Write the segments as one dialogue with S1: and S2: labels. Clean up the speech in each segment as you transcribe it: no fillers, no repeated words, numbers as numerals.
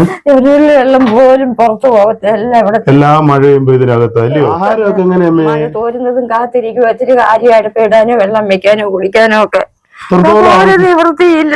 S1: ഒരു വെള്ളം പോലും പുറത്തു പോകത്തില്ല. ഇവിടെ
S2: എല്ലാ മഴയും ഇതിനകത്തല്ലേ. ആഹാരമൊക്കെ എങ്ങനെയാ?
S1: മഴ തോരുന്നതും കാത്തിരിക്കും. ഒത്തിരി കാര്യം അടുപ്പിടാനോ വെള്ളം വെക്കാനോ കുടിക്കാനോ ഒക്കെ ഒരു നിവൃത്തിയില്ല.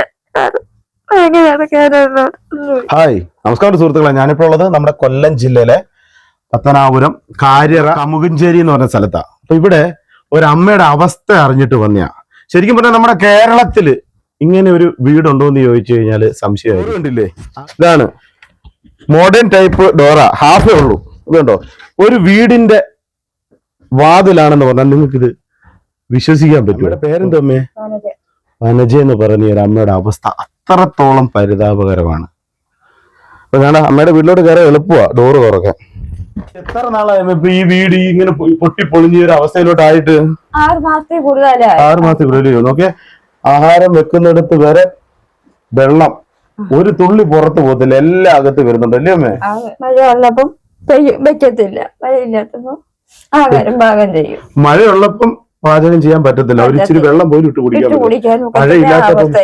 S2: ഹായ്, നമസ്കാരം സുഹൃത്തുക്കളെ. ഞാനിപ്പോൾ ഉള്ളത് നമ്മുടെ കൊല്ലം ജില്ലയിലെ പത്തനാപുരം കാര്യറ കമുകഞ്ചേരി എന്ന് പറഞ്ഞ സ്ഥലത്താണ്. അപ്പൊ ഇവിടെ ഒരമ്മയുടെ അവസ്ഥ അറിഞ്ഞിട്ട് വന്നയാ. ശരിക്കും പറഞ്ഞാൽ നമ്മുടെ കേരളത്തില് ഇങ്ങനെ ഒരു വീടുണ്ടോ എന്ന് ചോദിച്ചു കഴിഞ്ഞാല് സംശയമായി. കണ്ടില്ലേ, ഇതാണ് മോഡേൺ ടൈപ്പ് ഡോറ. ഹാഫേ ഉള്ളൂ. ഇതുണ്ടോ, ഒരു വീടിന്റെ വാതിലാണെന്ന് പറഞ്ഞാൽ നിങ്ങൾക്ക് ഇത് വിശ്വസിക്കാൻ പറ്റും. പേരെന്തോ അമ്മേ? വനജ എന്ന് പറഞ്ഞ ഒരു അമ്മയുടെ അവസ്ഥ അത്രത്തോളം പരിതാപകരമാണ്. അപ്പൊ ഞാൻ അമ്മയുടെ വീട്ടിലോട്ട് കയറാൻ എളുപ്പമാ ഡോറ് തുറക്കാൻ. എത്ര നാളായി ഇപ്പൊ ഈ വീട് ഇങ്ങനെ പൊട്ടി പൊളിഞ്ഞ ഒരു അവസ്ഥയിലോട്ടായിട്ട്?
S1: 6 മാസത്തിൽ കൂടുതലായി.
S2: 6 മാസത്തിൽ കൂടുതൽ. നോക്കെ, ആഹാരം വെക്കുന്നിടത്ത് വരെ വെള്ളം ഒരു തുള്ളി പുറത്ത് പോകത്തില്ല, എല്ലാം അകത്ത് വരുന്നുണ്ട് അല്ലേ അമ്മേ?
S1: മഴ ഉള്ളപ്പം വെക്കത്തില്ല, മഴയില്ലാത്തപ്പോ ആഹാരം പാകം ചെയ്യും.
S2: മഴയുള്ളപ്പം പാചകം ചെയ്യാൻ പറ്റത്തില്ല, ഒരു ഇച്ചിരി വെള്ളം പോലും ഇട്ട് കുടിക്കാൻ മഴയില്ലാത്ത.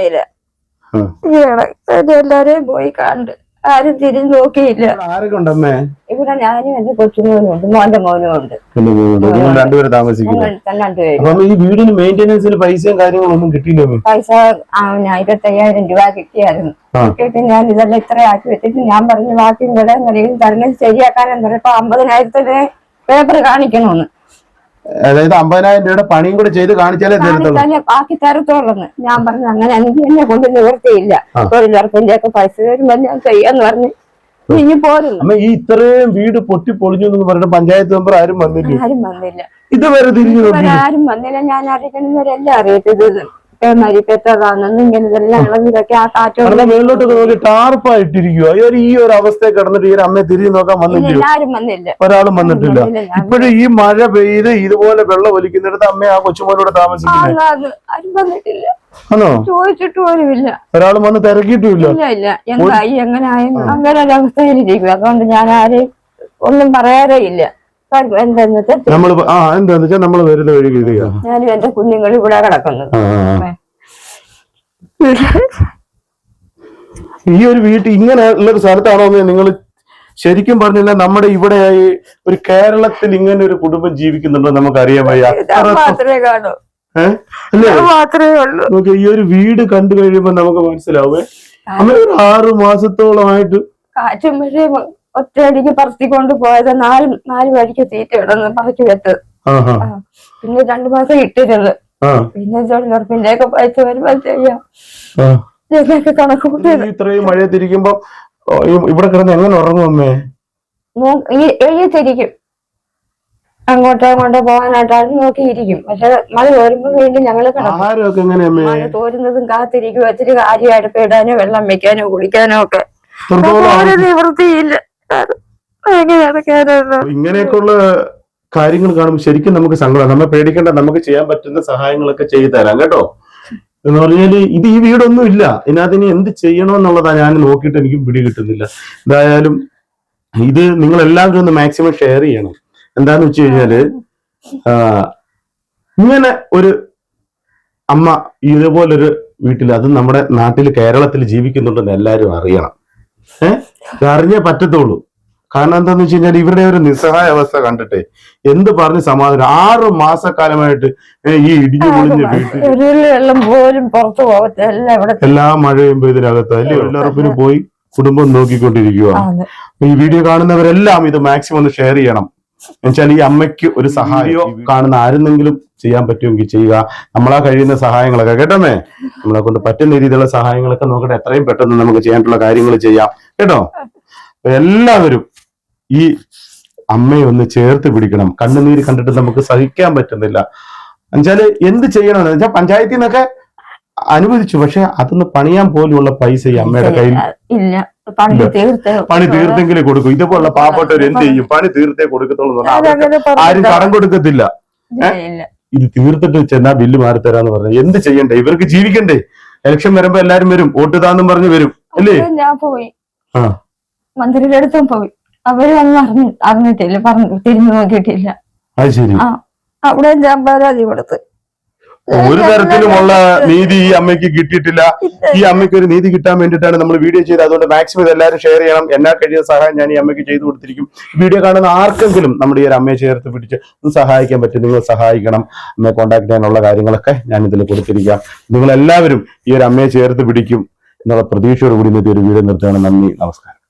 S1: എല്ലാരെയും പോയി കണ്ട് ആരും തിരിഞ്ഞു നോക്കിയില്ല.
S2: ആരൊക്കെ ഉണ്ടമ്മേ?
S1: ഇവിടെ ഞാനും എന്റെ കൊച്ചുമോനും ഉണ്ട്, മോന്റെ മോനും ഉണ്ട്.
S2: രണ്ടുപേരും താമസിക്കുന്നു. ഈ വീടിന് മെയിന്റനൻസിന് പൈസയും കാര്യങ്ങളും ഒന്നും കിട്ടിയില്ല?
S1: പൈസ 25,000 രൂപ കിട്ടിയായിരുന്നു. കിട്ടിയിട്ട് ഞാൻ ഇതെല്ലാം ഇത്ര ആക്കി വെച്ചിട്ട് ഞാൻ പറഞ്ഞു ബാക്കി ഇവിടെ എന്തെങ്കിലും തരണം ശരിയാക്കാനെന്ന് പറഞ്ഞപ്പോ 50,000 പേപ്പർ കാണിക്കണമെന്ന്.
S2: അതായത് 50,000 രൂപയുടെ പണിയും കൂടെ ചെയ്ത് കാണിച്ചാലേ
S1: ബാക്കി തരത്തോളന്ന്. ഞാൻ പറഞ്ഞു അങ്ങനെ എനിക്ക് എന്നെ കൊണ്ട് നിവൃത്തിയില്ല, തൊഴിലുറപ്പിന്റെ ഒക്കെ പൈസ വരുമ്പോ ഞാൻ ചെയ്യാന്ന് പറഞ്ഞു ഇനി പോരുന്നു.
S2: അമ്മ, ഈ ഇത്രയും വീട് പൊട്ടി പൊളിഞ്ഞു എന്ന് പറഞ്ഞിട്ട് പഞ്ചായത്ത് മെമ്പർ ആരും വന്നില്ല?
S1: ആരും വന്നില്ല,
S2: ഇതുവരെ തിരിഞ്ഞു
S1: ആരും വന്നില്ല. ഞാൻ അറിയിക്കുന്നവരെല്ലാം അറിയത്തത് മരിപ്പെട്ടതാണെന്ന്. ഇങ്ങനെ ഇതെല്ലാം ഇളകിലൊക്കെ ആ കാറ്റോടെ
S2: മേളിലോട്ടൊക്കെ നോക്കി ടാർപ്പായിട്ടിരിക്കുക. ഈ ഒരു അവസ്ഥയെ കിടന്നിട്ട് ഈ അമ്മയെ തിരിഞ്ഞു നോക്കാൻ വന്നില്ല?
S1: ആരും വന്നില്ല,
S2: ഒരാളും വന്നിട്ടില്ല. ഇപ്പോഴും ഈ മഴ പെയ്ത് ഇതുപോലെ വെള്ളം ഒലിക്കുന്നിടത്ത് അമ്മ ആ കൊച്ചുമോനോട് താമസിക്കുന്നത്?
S1: ആരും വന്നിട്ടില്ല,
S2: ആണോ?
S1: ചോദിച്ചിട്ട് പോലുമില്ല,
S2: ഒരാളും വന്ന് തിരക്കിയിട്ടുമില്ല.
S1: ഇല്ല. എന്തായി എങ്ങനെയായിരുന്നു അങ്ങനെ ഒരു അവസ്ഥയിലിരിക്കും. അതുകൊണ്ട് ഞാൻ ആരെയും ഒന്നും പറയാറേ ഇല്ല. എന്താന്ന്
S2: വെച്ചാൽ നമ്മള് വരുന്ന വഴി
S1: ഞാനും എന്റെ കുഞ്ഞുങ്ങൾ ഇവിടെ കിടക്കുന്നത്.
S2: ഈ ഒരു വീട്ടിൽ ഇങ്ങനെ ഉള്ള ഒരു സ്ഥലത്താണോ നിങ്ങൾ ശരിക്കും പറഞ്ഞില്ല? നമ്മുടെ ഇവിടെ ഒരു കേരളത്തിൽ ഇങ്ങനെ ഒരു കുടുംബം ജീവിക്കുന്നുണ്ടോ നമുക്കറിയാൻ വയ്യ.
S1: മാത്രമേ കാണൂ, മാത്രമേ ഉള്ളൂ.
S2: നോക്കി, ഈ ഒരു വീട് കണ്ടു കഴിയുമ്പോ നമുക്ക് മനസ്സിലാവേ അങ്ങനെ ഒരു 6 മാസത്തോളമായിട്ട്
S1: കാറ്റും മഴയും ഒറ്റയടിക്ക് പറത്തിക്കൊണ്ട് പോയത്. 4 വഴിക്ക് തീറ്റ ഇടന്ന് പറക്കി വെച്ചത്. പിന്നെ 2 മാസം ഇട്ടിരുന്നത്. പിന്നെ തൊഴിലുറപ്പിന്റെ ഒക്കെ പൈസ വരുമ്പോ ചെയ്യാം കണക്ക് കൂട്ടി.
S2: ഇത്രയും മഴ തിരിക്കുമ്പോ ഇവിടെ കിടന്ന് എങ്ങനെ ഉറങ്ങും അമ്മേ?
S1: എഴുതിത്തിരിക്കും, അങ്ങോട്ടോ പോകാനായിട്ടാണ് നോക്കിയിരിക്കും. പക്ഷെ മഴ തോരുമ്പോ വീണ്ടും ഞങ്ങള് മഴ തോരുന്നതും കാത്തിരിക്കും. ഒത്തിരി കാര്യം അടുപ്പിടാനോ വെള്ളം വെക്കാനോ കുടിക്കാനോ ഒക്കെ ഒരു നിവൃത്തിയില്ല.
S2: ഇങ്ങനെയൊക്കെയുള്ള കാര്യങ്ങൾ കാണുമ്പോൾ ശരിക്കും നമുക്ക് സങ്കടം. നമ്മെ പേടിക്കേണ്ട, നമുക്ക് ചെയ്യാൻ പറ്റുന്ന സഹായങ്ങളൊക്കെ ചെയ്തു തരാം കേട്ടോ. എന്ന് പറഞ്ഞാല് ഈ വീടൊന്നും ഇല്ല, ഇതിനകത്ത് ഇനി എന്ത് ചെയ്യണമെന്നുള്ളതാ ഞാൻ നോക്കിയിട്ട് എനിക്കും പിടി കിട്ടുന്നില്ല. എന്തായാലും ഇത് നിങ്ങൾ എല്ലാവരും ഒന്ന് മാക്സിമം ഷെയർ ചെയ്യണം. എന്താന്ന് വെച്ച് കഴിഞ്ഞാല് ഇങ്ങനെ ഒരു അമ്മ ഇതുപോലൊരു വീട്ടിൽ, അത് നമ്മുടെ നാട്ടിൽ കേരളത്തിൽ ജീവിക്കുന്നുണ്ടെന്ന് എല്ലാവരും അറിയണം. അറിഞ്ഞേ പറ്റത്തുള്ളൂ. കാരണം എന്താന്ന് വെച്ച് കഴിഞ്ഞാൽ ഇവരുടെ ഒരു നിസ്സഹായ അവസ്ഥ കണ്ടിട്ട് എന്ത് പറഞ്ഞ് സമാധാനം. 6 മാസക്കാലമായിട്ട് ഈ ഇടിഞ്ഞു പൊളിഞ്ഞ വീട്ടിൽ
S1: വെള്ളം പോലും പുറത്തു പോകത്തില്ല.
S2: എല്ലാ മഴയും ഇതിനകത്ത് അല്ലേ തൊഴിലുറപ്പിന് പോയി കുടുംബം നോക്കിക്കൊണ്ടിരിക്കുക. ഈ വീഡിയോ കാണുന്നവരെല്ലാം ഇത് മാക്സിമം ഒന്ന് ഷെയർ ചെയ്യണം. എന്നുവെച്ചാൽ ഈ അമ്മയ്ക്ക് ഒരു സഹായം കാണുന്ന ആരെന്നെങ്കിലും ചെയ്യാൻ പറ്റുമെങ്കിൽ ചെയ്യുക. നമ്മളാ കഴിയുന്ന സഹായങ്ങളൊക്കെ കേട്ടോമേ, നമ്മളെ കൊണ്ട് പറ്റുന്ന രീതിയിലുള്ള സഹായങ്ങളൊക്കെ നോക്കട്ടെ, എത്രയും പെട്ടെന്ന് നമുക്ക് ചെയ്യാനുള്ള കാര്യങ്ങൾ ചെയ്യാം കേട്ടോ. എല്ലാവരും ഈ അമ്മയെ ഒന്ന് ചേർത്ത് പിടിക്കണം. കണ്ണുനീര് കണ്ടിട്ട് നമുക്ക് സഹിക്കാൻ പറ്റുന്നില്ല. എന്നുവെച്ചാല് എന്ത് ചെയ്യണമെന്ന് വെച്ചാൽ പഞ്ചായത്തിൽ നിന്നൊക്കെ അനുവദിച്ചു, പക്ഷെ അതൊന്ന് പണിയാൻ പോലുള്ള പൈസ ഈ അമ്മയുടെ കയ്യിൽ ഇല്ല. പണി തീർത്തെങ്കിലേ കൊടുക്കും. ഇതുപോലുള്ള പാവപ്പെട്ടവർ എന്ത് ചെയ്യും? പണി തീർത്തേ കൊടുക്കത്തുള്ളൂ. ആരും കടം കൊടുക്കത്തില്ല. ഇത് തീർത്തിട്ട് ചെന്നാ ബില്ല് മാറിത്തരാന്ന് പറഞ്ഞു. എന്ത് ചെയ്യണ്ടേ? ഇവർക്ക് ജീവിക്കണ്ടേ? ഇലക്ഷൻ വരുമ്പോ എല്ലാരും വരും, വോട്ട് താന്നും പറഞ്ഞു വരും അല്ലേ?
S1: ഞാൻ പോയി മന്ത്രിയുടെ അടുത്തും പോയി, അവരൊന്നും അറിഞ്ഞിട്ടില്ല, തിരിഞ്ഞു നോക്കിയിട്ടില്ല.
S2: അത് ശരി.
S1: അവിടെ ഞാൻ പരാതി കൊടുത്ത്
S2: ഒരു തരത്തിലുമുള്ള നീതി ഈ അമ്മയ്ക്ക് കിട്ടിയിട്ടില്ല. ഈ അമ്മയ്ക്ക് ഒരു നീതി കിട്ടാൻ വേണ്ടിയിട്ടാണ് നമ്മൾ വീഡിയോ ചെയ്തത്. അതുകൊണ്ട് മാക്സിമം ഇതെല്ലാവരും ഷെയർ ചെയ്യണം. എന്നാൽ കഴിയുന്ന സഹായം ഞാൻ ഈ അമ്മയ്ക്ക് ചെയ്തു കൊടുത്തിരിക്കും. വീഡിയോ കാണുന്ന ആർക്കെങ്കിലും നമ്മുടെ ഈ ഒരു അമ്മയെ ചേർത്ത് പിടിച്ച് ഒന്ന് സഹായിക്കാൻ പറ്റും, നിങ്ങൾ സഹായിക്കണം. അമ്മയെ കോൺടാക്ട് ചെയ്യാനുള്ള കാര്യങ്ങളൊക്കെ ഞാൻ ഇതിൽ കൊടുത്തിരിക്കാം. നിങ്ങൾ എല്ലാവരും ഈ ഒരു അമ്മയെ ചേർത്ത് പിടിക്കും എന്നുള്ള പ്രതീക്ഷയോടുകൂടി ഇന്നത്തെ ഒരു വീഡിയോ നിർത്തുകയാണ്. നന്ദി, നമസ്കാരം.